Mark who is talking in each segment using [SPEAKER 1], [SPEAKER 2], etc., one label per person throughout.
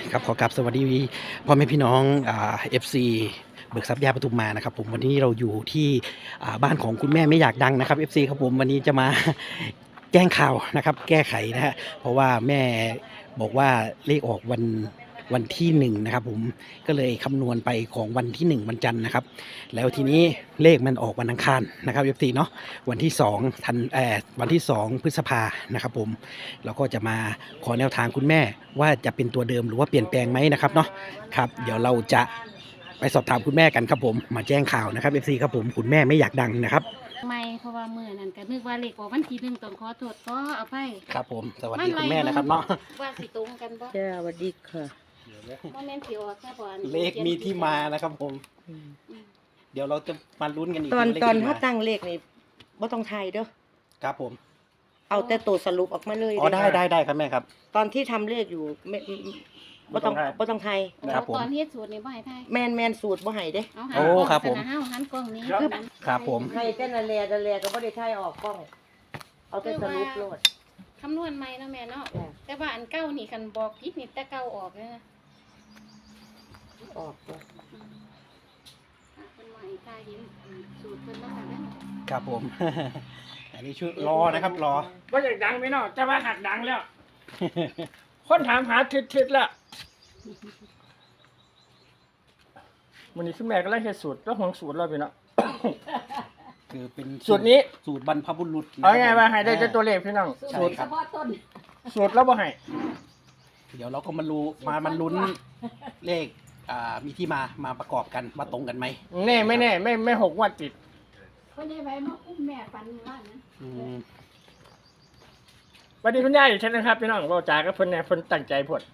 [SPEAKER 1] ครับขอกราบสวัสดีพ่อแม่พี่น้องFC เบิกทรัพย์ยาปทุมมานะครับผมวันนี้เราอยู่ที่บ้านของคุณแม่ไม่อยากดังนะครับ FC ครับผมวันนี้จะมา แจ้งข่าวนะครับแก้ไขนะฮะเพราะว่าแม่บอกว่าเลขออกวันที่1นะครับผมก็เลยคำนวณไปของวันที่1วันจันทร์นะครับแล้วทีนี้เลขมันออกวันอังคารนะครับ FC เนาะวันที่วันที่2พฤษภานะครับผมเราก็จะมาขอแนวทางคุณแม่ว่าจะเป็นตัวเดิมหรือว่าเปลี่ยนแปลงไหมนะครับเนาะครับเดี๋ยวเราจะไปสอบถามคุณแม่กันครับผมมาแจ้งข่าวนะครับ FC ครับผมคุณแม่ไม่อยากดังนะครับ
[SPEAKER 2] ไม่เพราะว่ามือนั่นก็นึกว่าเลขออกวันที่1ต้องขอโทษขออภัย
[SPEAKER 1] ครับผมสวัสดีคุณแม่นะครับเนาะ
[SPEAKER 2] ว่าสิตรงกันบ่
[SPEAKER 3] จ้าสวัสดีค่ะ
[SPEAKER 2] บ่แม่นสิออกแค่บ่อัน
[SPEAKER 1] เลขมีที่มานะครับผมเดี๋ยวเราจะมาลุ้นกันอีก
[SPEAKER 3] ตอน
[SPEAKER 1] เลข
[SPEAKER 3] ตอน
[SPEAKER 1] ที่
[SPEAKER 3] ถ้า
[SPEAKER 1] มา
[SPEAKER 3] ตั้งเลขนี่บ่ต้องทายเด้อ
[SPEAKER 1] ครับผม
[SPEAKER 3] เอาแต่ตัวสรุปออกมาเลย
[SPEAKER 1] อ๋อได้ครับแม่ครับ
[SPEAKER 3] ตอนที่ทำเลขอยู่ไม่บ่ต้องทาย
[SPEAKER 1] ครับผม
[SPEAKER 2] ตอนเฮ็ดสูตรนี่บ่ให้ทาย
[SPEAKER 3] แมนสูตรบ่ให้เด้
[SPEAKER 2] เอา
[SPEAKER 1] โอ้ครับผม
[SPEAKER 2] เฮาหันกล้องนี้
[SPEAKER 1] ครับผม
[SPEAKER 3] ให้แต่ละแลก็บ่ได้ทายออกกล้อง เอาแต่สรุปโลด
[SPEAKER 2] คำนวณใหม่เนาะแม่เนาะ
[SPEAKER 3] จ้ะ
[SPEAKER 2] แต่ว่าอันเก่านี่คันบอกผิดนี่แต่เก่าออกเลยนะ
[SPEAKER 3] ออกจ้ะ
[SPEAKER 2] เพิ่นว่าให้ทายเห็นสูตรเพิ่นเนาะค่ะเด้อ
[SPEAKER 1] ครับผม อันนี้ชื่อรอนะครับรอ
[SPEAKER 4] ว่าอยากดังไหมเนาะแต่ว่าหักดังแล้ว คนถามหาทิศแล้ววันนี้คุณแม่ก็ไล่เฮ็ดสูตรแล้วห่วงสูตรเราไปเนาะ
[SPEAKER 1] คือเป็น
[SPEAKER 4] สูตรนี้
[SPEAKER 1] สูตรบรรพบุรุษนะ
[SPEAKER 4] เอาไงว่าให้ได้แต่ตัวเลขพี่น้อง
[SPEAKER 1] ใช่
[SPEAKER 4] สูตร
[SPEAKER 1] ครับ
[SPEAKER 4] สูตรแล้วบ่ให้
[SPEAKER 1] เดี๋ยวเราก็มามันลุ้นเลขมีที่มาประกอบกันมาตรงกันไหม
[SPEAKER 4] แน่ไม่แน่ไม่หกงวดติด
[SPEAKER 2] เพิ่นได้ไว้มาอุ้มแม่ปันว่านะ
[SPEAKER 1] อืม
[SPEAKER 4] สวัสดีคุณยายอีกเช่นนะครับพี่น้องเว้าจากับเพิ่นแน่เพิ่นตั้งใจพด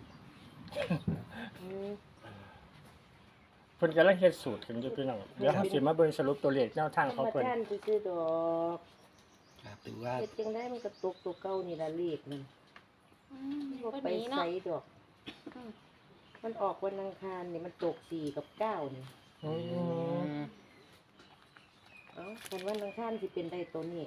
[SPEAKER 4] เพิ่นกำลังเฮ็ดสูตรกันอยู่พี่น้องเดี๋ยวเฮาสิมาเบิ่งสรุปตัวเลขแนวทางของ
[SPEAKER 3] มา
[SPEAKER 4] เพิ่น
[SPEAKER 3] ท่านซื้อดอก
[SPEAKER 1] ครับถือว่า
[SPEAKER 3] เฮ็ดจังได๋มันก็ตกตัวเก่านี่ล่ะเลขมันบ่
[SPEAKER 2] บ่
[SPEAKER 3] ไป
[SPEAKER 2] ดี
[SPEAKER 3] ไส
[SPEAKER 2] เนาะ
[SPEAKER 3] ดอก มันออกวันอังคารนี่มันตก4กับ9นี่
[SPEAKER 4] อืม
[SPEAKER 3] เอ้าคันวันอังคารสิเป็นได้ตัวนี้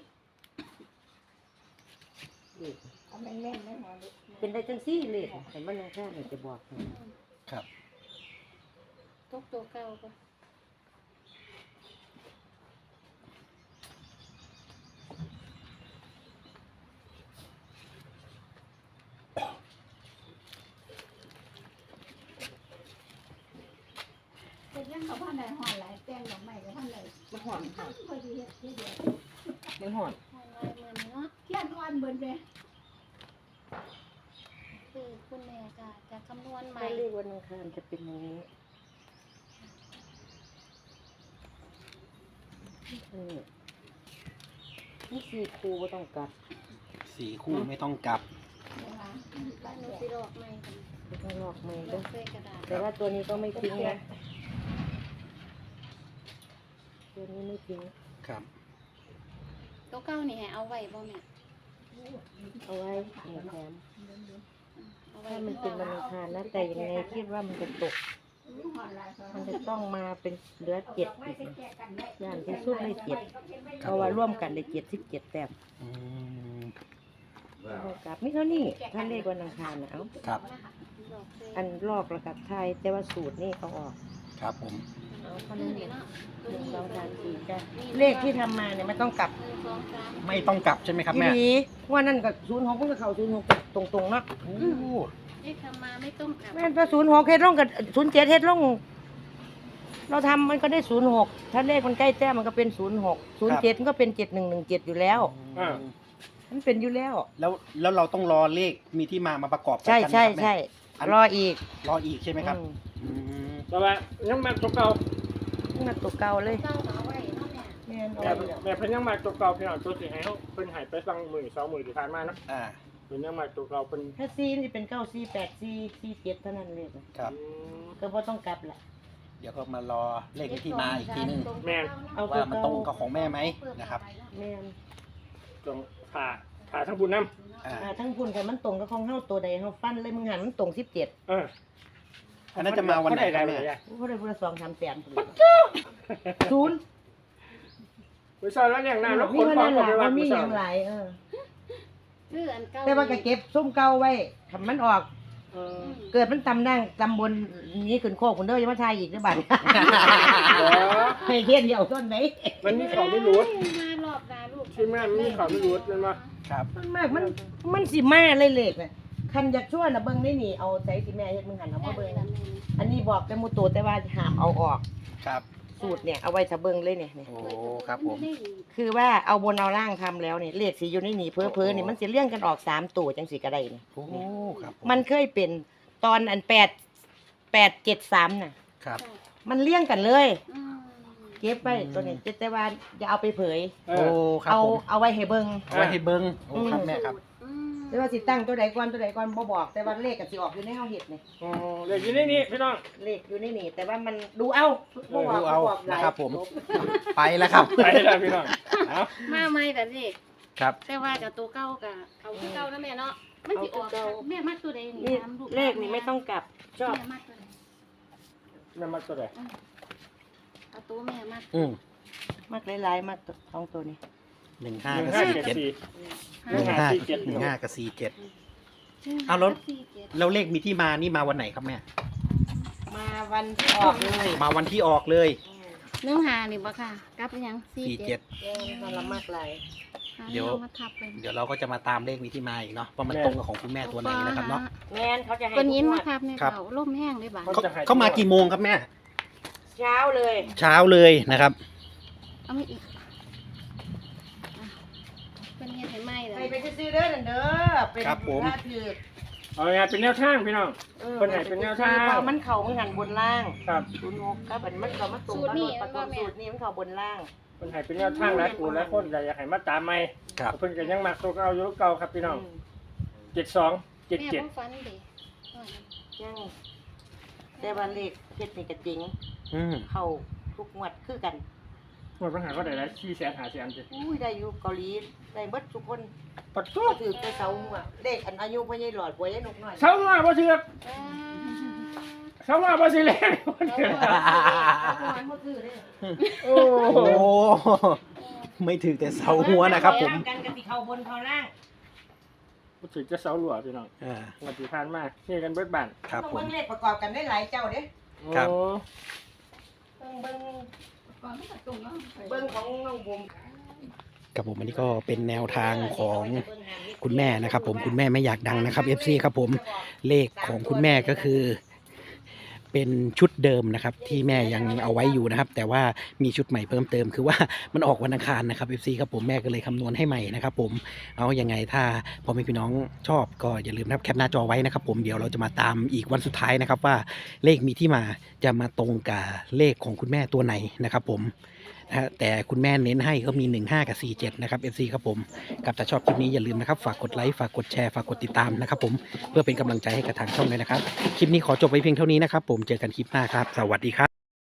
[SPEAKER 3] เลขเป็นได้จังซี่เลขคันวันอังคารนี่จะบอกให้
[SPEAKER 1] ครับ
[SPEAKER 2] ตกตัวเก่าก็เป็นยังเขาพันใดหอนหลายแป้งดอกไม้ก็พันใด
[SPEAKER 3] มันหอมค่ะ
[SPEAKER 2] พอดีเฮ็ดทีเดียว
[SPEAKER 4] มันหอน
[SPEAKER 2] หอนลายมือนี้เนาะเทียนอ่อนเบิ่นเด้คือคุณแม่จะคำนวณใหม่
[SPEAKER 3] ถ้าเลขวันอังคารจะเป็นอย่างนี้นี่4คู่บ่ต้องกลับ
[SPEAKER 1] สี่คู่ไม่ต้องกลับ
[SPEAKER 2] บ้านหนูสิลอกใหม่กัน
[SPEAKER 3] บ่ต้องลอกใหม่
[SPEAKER 2] ล
[SPEAKER 3] เด้
[SPEAKER 2] อ
[SPEAKER 3] อก
[SPEAKER 2] ใส่กระดาษ
[SPEAKER 3] แต่ว่าตัวนี้ก็ไม่ทิ้งนะตัวนี้ไม่ทิ้ง
[SPEAKER 1] ครับ
[SPEAKER 2] ตัวเก่านี่ให้เอาไว้บ่แม่
[SPEAKER 3] เอาไว้แถม
[SPEAKER 2] เอาไว้
[SPEAKER 3] ถ้ามันเป็นวันอังคารนะแต่ยังไงคิดว่ามันจะตก มันจะต้องมาเป็นเหลือ7อีกอย่างที่สุดได้7เพราะว่าร่วมกันได้77แต้ม
[SPEAKER 1] อืม
[SPEAKER 3] เอากลับไม่เท่านี้ถ้าเลขวันอังคารนะเอา
[SPEAKER 1] ครับ
[SPEAKER 2] ลอกใส่
[SPEAKER 3] อันลอกระกับไทยแต่ว่าสูตรนี่เขาออก
[SPEAKER 1] ครับผม
[SPEAKER 3] เอาเท่า
[SPEAKER 2] นี่
[SPEAKER 3] นั้นเอง
[SPEAKER 2] เนาะตัว
[SPEAKER 3] หนึ่ง
[SPEAKER 2] นี้
[SPEAKER 3] สองสามสี่จ้ะเลขที่ทำมาเนี่ยมันต้องกลับ
[SPEAKER 2] 1 2 3
[SPEAKER 1] ไม่ต้องกลับใช่ไหมครับ
[SPEAKER 3] ที
[SPEAKER 1] แม่
[SPEAKER 3] นี้ว่านั่นกับ06มันก็เข้า06ตรงๆเนาะ
[SPEAKER 1] โอ้
[SPEAKER 2] เลขทำมาไม่ต้องกลับ
[SPEAKER 3] แม่นพอ06เฮ็ดลงกับ07เฮ็ดลงเราทำมันก็ได้06ถ้าเลขมันใกล้แต้มมันก็เป็น06 07มันก็เป็น7117อยู่แล้ว มันเป็นอยู่แล้ว
[SPEAKER 1] แล้วเราต้องรอเลขมีที่มาประกอบ
[SPEAKER 3] ใช่
[SPEAKER 1] กัน
[SPEAKER 3] ใช่
[SPEAKER 1] นะครับแม่
[SPEAKER 3] ใช่
[SPEAKER 1] อัน
[SPEAKER 3] รออีก
[SPEAKER 1] รออีกใช่ไหมครับ
[SPEAKER 3] อืม
[SPEAKER 1] อืม
[SPEAKER 4] แต่ว่ายังมาตัวเก่า
[SPEAKER 3] นี่มันตัวเก่าเลย
[SPEAKER 2] เก่าเอาไว้เนาะแม่
[SPEAKER 3] แม่นเอา
[SPEAKER 4] แม่
[SPEAKER 3] ไว้แล้ว
[SPEAKER 4] แม่เพิ่นยังมาตัวเก่าพี่น้องตัวสิให้เฮาเพิ่นให้ไปฟังมื้อ2มื้อที่ผ่านมาเนาะ
[SPEAKER 1] อ่า
[SPEAKER 4] เพิ่นยังมาตัวเก่าเพิ่น
[SPEAKER 3] ถ้าซีนี่เป็น9 4 8 4 4 7เท่านั้นเลย
[SPEAKER 1] ครับ
[SPEAKER 3] ก็บ่ต้องกลับละ
[SPEAKER 1] เดี๋ยวก็มารอเลขมีที่มาอีกทีนึง
[SPEAKER 3] เอา
[SPEAKER 1] ว่ามันตรงกับของแม่ไหมนะครับ
[SPEAKER 3] แม่น
[SPEAKER 4] ตรงผ่าทั้งบุญนำ
[SPEAKER 1] อ่า
[SPEAKER 3] ทั้งพุ่นกันมันตรงกับของเฮาตัวใดเฮาฟันเลยมึงหันมันตรง17
[SPEAKER 4] เออ
[SPEAKER 1] อันนั้นจะมาวันไหนครับแม่
[SPEAKER 3] โอ้ได้พุ่นละ2 3แสนพุ่นศูนย์
[SPEAKER 4] วิชาแล้วอย่างนั้นแล้ว
[SPEAKER 3] มี
[SPEAKER 4] คน
[SPEAKER 3] เท่า
[SPEAKER 4] ฟั
[SPEAKER 3] นั้
[SPEAKER 4] ง
[SPEAKER 3] น
[SPEAKER 4] ก็
[SPEAKER 3] ล่ะ
[SPEAKER 4] ไปว่า
[SPEAKER 3] มันมี
[SPEAKER 4] วิ
[SPEAKER 3] ห
[SPEAKER 4] ชา
[SPEAKER 3] ยังหลาย
[SPEAKER 2] คืออันเก่า
[SPEAKER 3] แต่ว่าก็เก็บซุ้มเก่าไว้ถ้ามันออกเกิดมันตำบลนี้ขึ้นโคกคนเด้อยังมาทายอีกหรือเปล่า ให้เทียนเดียวต้นไหน
[SPEAKER 4] มันมีของไม่รู้
[SPEAKER 2] มารอบนาลูก
[SPEAKER 4] ใช่ไหมมันมีของไม่รู้เป็นมา
[SPEAKER 1] ครับ
[SPEAKER 3] มันมากมันสิมาเลยเล็กน่ะคันอยากช่วยน่ะเบิ่งได้นี่เอาใจสิแม่เฮ็ดมึงหันเอามาเบิ่งอันนี้บอกแต่หมู่โตแต่ว่าห้ามเอาออก
[SPEAKER 1] ครับ
[SPEAKER 3] สูตรเนี่ยเอาไว้ถ้าเบิ่งเลยเนี่ย
[SPEAKER 1] โอ้ครับผม
[SPEAKER 3] คือว่าเอาบนเอาล่างทำแล้วเนี่ยเลขสิอยู่ในนี่เพ้อๆนี่มันสิเลี้ยงกันออก3ตัวจังสิก็ได้นี่
[SPEAKER 1] โอ้ครับผ
[SPEAKER 3] มันเคยเป็นตอนอัน873น่ะ
[SPEAKER 1] ครับ
[SPEAKER 3] มันเลี้ยงกันเลย
[SPEAKER 2] อืม
[SPEAKER 3] เก็บไว้ตัวนี้แต่ว่าอย่าเอาไปเผย
[SPEAKER 4] เอ
[SPEAKER 1] โอ้
[SPEAKER 4] อ
[SPEAKER 1] ครับ
[SPEAKER 3] เอา
[SPEAKER 1] ผม
[SPEAKER 3] เอาไว้ให้เบิ่ง
[SPEAKER 1] เอาไว้ให้เบิ้งโอ้ครับแม่ครับ
[SPEAKER 2] อืม
[SPEAKER 3] แต่ว่าสิตั้งตัวใดก่อนบ่บอก แต่ว่าเลขก็สิออกอยู่ในเฮาเฮ็ดนี่
[SPEAKER 4] อ๋อเด็กอยู่นี่นี่พี่น้อง
[SPEAKER 3] เลขอยู่ในนี่แต่ว่ามันดูเอาบ่บอก
[SPEAKER 1] ดูเอา
[SPEAKER 3] บ่บอกหลย
[SPEAKER 1] นะครับผม ไปแล้วครับ
[SPEAKER 4] ไปแล้วพี่น้องเอา
[SPEAKER 2] มาใหม่แต่เด็ก
[SPEAKER 1] ครับ
[SPEAKER 2] แต่ว่ากับตัวเก่ากับเขาที่เก่านะแม่เนาะมันสิออกแม่มัดตัวใดนี่
[SPEAKER 3] นี่
[SPEAKER 2] ถามลูก
[SPEAKER 3] เลขนี่ไม่ต้องกลับชอบ
[SPEAKER 2] แม่มัดตัวใด
[SPEAKER 4] แม่มาตัวไหน
[SPEAKER 2] เอาตัวแม่มัด
[SPEAKER 1] อืม
[SPEAKER 3] มักหลายๆมักท้องตัวนี้
[SPEAKER 4] หนึ่ง
[SPEAKER 1] 15กับ
[SPEAKER 4] ห้า
[SPEAKER 1] 47
[SPEAKER 4] เจ็ดสี่
[SPEAKER 1] 15กับ47เอาแล้ว แล้วเลขมีที่มานี่มาวันไหนครับแม่
[SPEAKER 3] มาวันที่ออกเลย
[SPEAKER 1] มาวันที่ออกเลย
[SPEAKER 2] เนื้อหานี่บ่ค่ะกลับไปยัง
[SPEAKER 1] 47
[SPEAKER 3] เออมันละมากหลาย
[SPEAKER 1] เดี๋ยว
[SPEAKER 2] มาทับไป
[SPEAKER 1] เดี๋ยวเราก็จะมาตามเลขมีที่มาอีกเนาะว่ามันตรงกับของคุณแม่ตัวไหนนะครับเนาะ
[SPEAKER 3] แม่นเขาจะให้
[SPEAKER 2] คนยิน
[SPEAKER 3] ทุกง
[SPEAKER 2] มาว
[SPEAKER 3] ด
[SPEAKER 2] ทับเนี่ย
[SPEAKER 1] ครับ
[SPEAKER 2] เขาล่มแห้งเลยบ่า
[SPEAKER 1] เขามากี่โมงครับแม่
[SPEAKER 3] เช้าเลย
[SPEAKER 1] เช้าเลยนะครับ
[SPEAKER 2] เอาไม่อีกเป็นเฮ็ดให้ไหม้เล
[SPEAKER 3] ใคร
[SPEAKER 2] ย
[SPEAKER 3] ไปซื้อเด้อนั่นเด้อเป็น
[SPEAKER 1] ครับผม
[SPEAKER 3] ถ้าถือ
[SPEAKER 4] เอาไงเป็นแนวทางพี่น้อง คนไหนเป็นแนวทาง
[SPEAKER 3] พอมันเข่ามันหันบนล่าง
[SPEAKER 4] ครับ
[SPEAKER 5] 06ครับมันก็มาตรงกับรถประตูสูตรนี่มันเข่าบนล่าง
[SPEAKER 4] คนไหนเป็นแนวทางหลายกูหลายคนอยากให้มาตามใหม่
[SPEAKER 1] ครับ
[SPEAKER 4] เพิ่นก็ยังมักตัวเก่าอยู่เก่าครับพี่น้อง72
[SPEAKER 2] แม่
[SPEAKER 4] 77
[SPEAKER 2] บ่ฟันเด้
[SPEAKER 3] ยังแต่ว่าเลขเพชรนี่ก็จริง
[SPEAKER 1] อืม
[SPEAKER 3] เข้าทุกงวดคือกัน
[SPEAKER 4] หมดปัญหาก็ได้แล้ว450,000จิ
[SPEAKER 3] อุ้ยได้อยู่เกาหลีได้เบิดทุกคน
[SPEAKER 4] ปัด
[SPEAKER 3] ก็
[SPEAKER 4] ตัว
[SPEAKER 3] ถือแต่เสาหัวเลขอันอายุพ่อใหญ่หลอดพ่อใหญ่นกน้อย
[SPEAKER 4] เช้ามาบ่เชื่อเช้ามาบ่สิแลง โอ้
[SPEAKER 1] โอ้ไม่ถือแต่เสาหัวนะครับผม
[SPEAKER 3] กันกติเข้าบนเข้าล่าง
[SPEAKER 4] บ่ถึงจะเสาหลัวพี่น้อง
[SPEAKER 1] อ่า
[SPEAKER 4] วันที่ผ่านมาเฮ็ดกันเบิดบ้าน
[SPEAKER 1] ครับผม
[SPEAKER 3] เบิ่งเลขประกอบกันได้หลายเจ้าเด้
[SPEAKER 1] ครับ
[SPEAKER 4] โอ้
[SPEAKER 3] เบิ่งเบิ่งของน้องบุ๋ม
[SPEAKER 1] ครับผมอันนี้ก็เป็นแนวทางของคุณแม่นะครับ ผมคุณแม่ไม่อยากดังนะครับ FC ครับผมเลขของคุณแม่ก็คือ เป็นชุดเดิมนะครับ ที่แม่ยังเอาไว้อยู่นะครับ แต่ว่ามีชุดใหม่เพิ่มเติมคือว่ามันออกวันอังคารนะครับ FC ครับผมแม่ก็เลยคำนวณให้ใหม่นะครับ ผมเอายังไงถ้าพ่อแม่พี่น้องชอบก็อย่าลืมนะครับแคปหน้าจอไว้นะครับ ผมเดี๋ยวเราจะมาตามอีกวันสุดท้ายนะครับ ว่าเลขมีที่มาจะมาตรงกับเลขของคุณแม่ตัวไหนนะครับ ผมนะฮะแต่คุณแม่เน้นให้ก็มี15กับ47นะครับ FC ครับผมกับถ้าชอบคลิปนี้อย่าลืมนะครับฝากกดไลค์ฝากกดแชร์ฝากกดติดตามนะครับ ผมเพื่อเป็นกำลังใจให้กับทางช่องเลยนะครับคลิปนี้ขอจบไว้เพียงเท่านี้นะครับ ผมเจอกันคลิปหน้าครับสวัสดีครับ